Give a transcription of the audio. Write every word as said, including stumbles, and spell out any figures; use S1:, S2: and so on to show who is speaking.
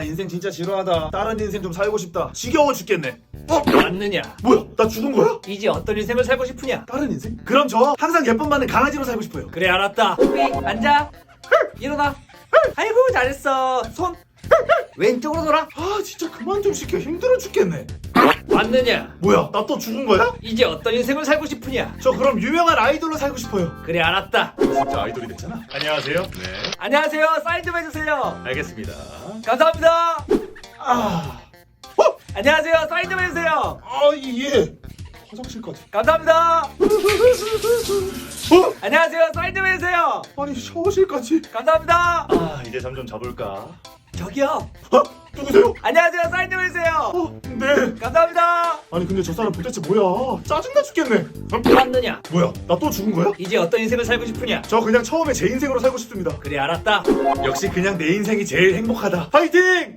S1: 인생 진짜 지루하다. 다른 인생 좀 살고 싶다. 지겨워 죽겠네. 어?
S2: 맞느냐?
S1: 뭐야? 나 죽은 거야?
S2: 이제 어떤 인생을 살고 싶으냐?
S1: 다른 인생? 그럼 저 항상 예쁨 받는 강아지로 살고 싶어요.
S2: 그래 알았다. 호비 앉아. 일어나. 아이고 잘했어. 손 왼쪽으로 돌아.
S1: 아 진짜 그만 좀 시켜. 힘들어 죽겠네.
S2: 맞느냐?
S1: 뭐야? 나 또 죽은 거야?
S2: 이제 어떤 인생을 살고 싶으냐?
S1: 저 그럼 유명한 아이돌로 살고 싶어요.
S2: 그래 알았다.
S1: 진짜 아이돌이 됐잖아. 안녕하세요. 네.
S2: 안녕하세요. 사인 좀 해주세요.
S1: 알겠습니다.
S2: 감사합니다.
S1: 아. 어?
S2: 안녕하세요. 사인 좀 해주세요.
S1: 아 예. 화장실까지.
S2: 감사합니다.
S1: 어?
S2: 안녕하세요. 사인 좀 해주세요.
S1: 아니 샤워실까지.
S2: 감사합니다.
S1: 아 이제 잠 좀 자볼까?
S2: 저기요.
S1: 어? 누구세요?
S2: 안녕하세요. 사인 좀 해주세요.
S1: 어? 네.
S2: 감사합니다.
S1: 아니 근데 저 사람 도대체 뭐야? 짜증나 죽겠네. 어?
S2: 맞느냐?
S1: 뭐야? 나 또 죽은 거야?
S2: 이제 어떤 인생을 살고 싶으냐?
S1: 저 그냥 처음에 제 인생으로 살고 싶습니다.
S2: 그래 알았다.
S1: 역시 그냥 내 인생이 제일 행복하다. 파이팅!